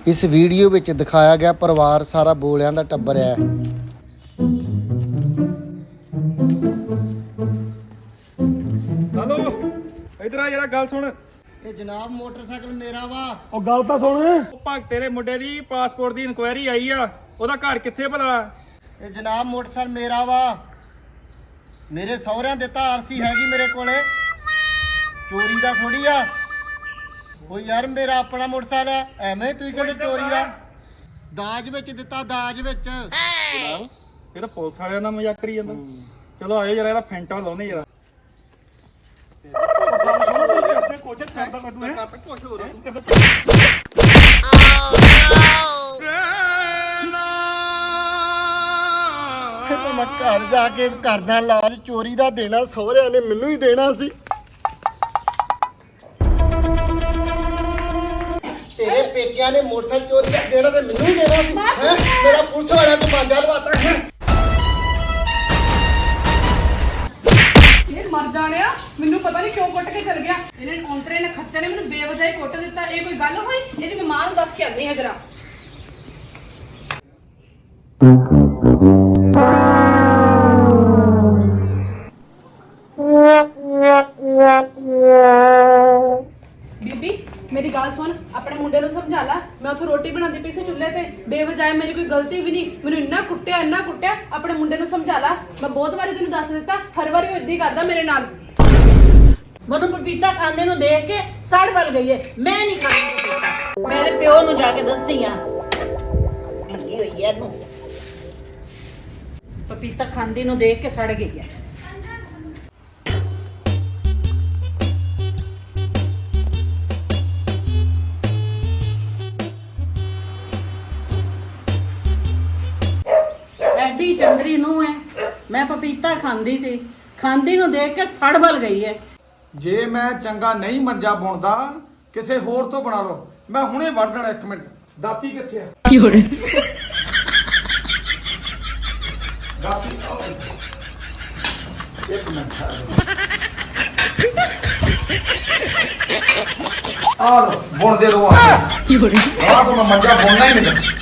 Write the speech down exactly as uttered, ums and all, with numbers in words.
ਇਸ ਵੀਡੀਓ ਵਿੱਚ ਦਿਖਾਇਆ ਗਿਆ ਪਰਿਵਾਰ ਸਾਰਾ ਬੋਲਿਆਂ ਦਾ ਟੱਬਰ ਹੈ। ਹਲੋ ਇਧਰ ਆ ਜਰਾ ਗੱਲ ਸੁਣ। ਇਹ ਜਨਾਬ ਮੋਟਰਸਾਈਕਲ ਮੇਰਾ ਵਾ। ਉਹ ਗੱਲ ਤਾਂ ਸੁਣ। ਉਹ ਭਗਤ ਤੇਰੇ ਮੁੰਡੇ ਦੀ ਪਾਸਪੋਰਟ ਦੀ ਇਨਕੁਆਇਰੀ ਆਈ ਆ, ਉਹਦਾ ਘਰ ਕਿੱਥੇ ਭਲਾ? ਇਹ ਜਨਾਬ ਮੋਟਰਸਾਈਕਲ ਮੇਰਾ ਵਾ, ਮੇਰੇ ਸਹੁਰਿਆਂ ਦਿੱਤਾ ਆਰਸੀ ਹੈਗੀ ਮੇਰੇ ਕੋਲੇ, ਚੋਰੀ ਦਾ ਥੋੜੀ ਆ। ਉਹ ਯਾਰ ਮੇਰਾ ਆਪਣਾ ਮੋਟਰਸਾਈਕਲ ਹੈ, ਐਵੇਂ ਤੁਸੀਂ ਕਹਿੰਦੇ ਚੋਰੀ ਦਾ। ਦਾਜ ਵਿੱਚ ਦਿੱਤਾ, ਦਾਜ ਵਿੱਚ। ਜਨਾਬ ਇਹ ਤਾਂ ਪੁਲਿਸ ਵਾਲਿਆਂ ਦਾ ਮਜ਼ਾਕ ਕਰੀ ਜਾਂਦਾ। ਚਲੋ ਆਇਓ ਜਰਾ ਇਹਦਾ ਫੈਂਟਾ ਲਾਉਨੇ ਜਰਾ। ਕੋਚਿੰਗ ਕਰਦਾ ਮੈਂ ਤੂੰ ਕਰ ਕੁਝ ਹੋਰ ਮੈਂ ਘਰ ਜਾ ਕੇ ਕਰਦਾ ਇਲਾਜ। ਚੋਰੀ ਦਾ ਦੇਣਾ ਸਹੁਰਿਆਂ ਨੇ ਮੈਨੂੰ ਹੀ ਦੇਣਾ ਸੀ। ਤੇਰੇ ਪੇਕਿਆਂ ਨੇ ਮੋਟਰਸਾਈਕਲ ਚੋਰੀ ਦਾ ਦੇਣਾ ਤੇ ਮੈਨੂੰ ਹੀ ਦੇਣਾ ਸੀ। ਹੈਂ? ਮੇਰਾ ਪੁਲਿਸ ਵਾਲਿਆਂ ਤੋਂ ਮਾਂਜਾ ਲਵਾਤਾ ਹੈ। ਇਹ ਮਰ ਜਾਣਿਆ, ਮੈਨੂੰ ਪਤਾ ਨਹੀਂ ਕਿਉਂ ਕੁੱਟ ਕੇ ਚਲ ਗਿਆ। ਇਹਨੇ ਔਂਤਰੇ ਨੇ ਖੱਤੇ ਨੇ ਮੈਨੂੰ ਬੇਵਜਾਈ ਕੁੱਟ ਦਿੱਤਾ। ਇਹ ਕੋਈ ਗੱਲ ਹੋਈ? ਇਹਦੀ ਮੈਂ ਮਾਂ ਨੂੰ ਦੱਸ ਕੇ ਆਉਂਦੀ ਹਾਂ ਜਰਾ। ਬੀਬੀ ਮੇਰੀ ਗੱਲ ਸੁਣ, ਆਪਣੇ ਮੁੰਡੇ ਨੂੰ ਸਮਝਾ ਲੈ। ਮੈਂ ਉੱਥੇ ਰੋਟੀ ਬਣਾਉਂਦੀ ਪਈ ਸੀ ਚੁੱਲ੍ਹੇ ਤੇ, ਬੇਵਜਾਏ ਮੇਰੀ ਕੋਈ ਗਲਤੀ ਵੀ ਨਹੀਂ। ਮੈਨੂੰ ਇੰਨਾ ਕੁੱਟਿਆ ਇੰਨਾ ਕੁੱਟਿਆ। ਆਪਣੇ ਮੁੰਡੇ ਨੂੰ ਸਮਝਾ ਲੈ। ਮੈਂ ਬਹੁਤ ਵਾਰੀ ਤੈਨੂੰ ਦੱਸ ਦਿੱਤਾ, ਹਰ ਵਾਰੀ ਉਹ ਏਦਾਂ ਹੀ ਕਰਦਾ ਮੇਰੇ ਨਾਲ। ਮੈਨੂੰ ਪਪੀਤਾ ਖਾਂਦੇ ਨੂੰ ਦੇਖ ਕੇ ਸੜ ਵੱਲ ਗਈ ਏ। ਮੈਂ ਨਹੀਂ ਖਾਂਦੀ ਪਪੀਤਾ। ਮੈਂ ਇਹਦੇ ਪਿਓ ਨੂੰ ਜਾ ਕੇ ਦੱਸਦੀ ਆ। ਲੱਗੀ ਹੋਈ ਐ ਇਹਨੂੰ, ਪਪੀਤਾ ਖਾਂਦੀ ਨੂੰ ਦੇਖ ਕੇ ਸੜ ਗਈ ਐ। ਐਡੀ ਚੰਦਰੀ ਨੂੰ ਐ, ਮੈਂ ਪਪੀਤਾ ਖਾਂਦੀ ਸੀ, ਖਾਂਦੀ ਨੂੰ ਦੇਖ ਕੇ ਸੜ ਵੱਲ ਗਈ ਐ। ਜੇ ਮੈਂ ਚੰਗਾ ਨਹੀਂ ਮੰਜਾ ਬੁਣਦਾ ਕਿਸੇ ਹੋਰ ਤੋਂ ਬਣਾ ਲਓ। ਮੈਂ ਹੁਣੇ ਵੜ ਦੇਣਾ। ਇੱਕ ਮਿੰਟ, ਦਾਤੀ ਕਿੱਥੇ ਆ? ਕੀ ਹੋ ਰਿਹਾ? ਦਾਤੀ ਇੱਕ ਮਿੰਟ ਆ ਲੋ, ਬੁਣ ਦੇ ਲੋ। ਆ ਕੀ ਹੋ ਰਿਹਾ? ਆ ਤਾਂ ਮੈਂ ਮੰਜਾ ਬੁਣਨਾ ਹੀ ਨਹੀਂ।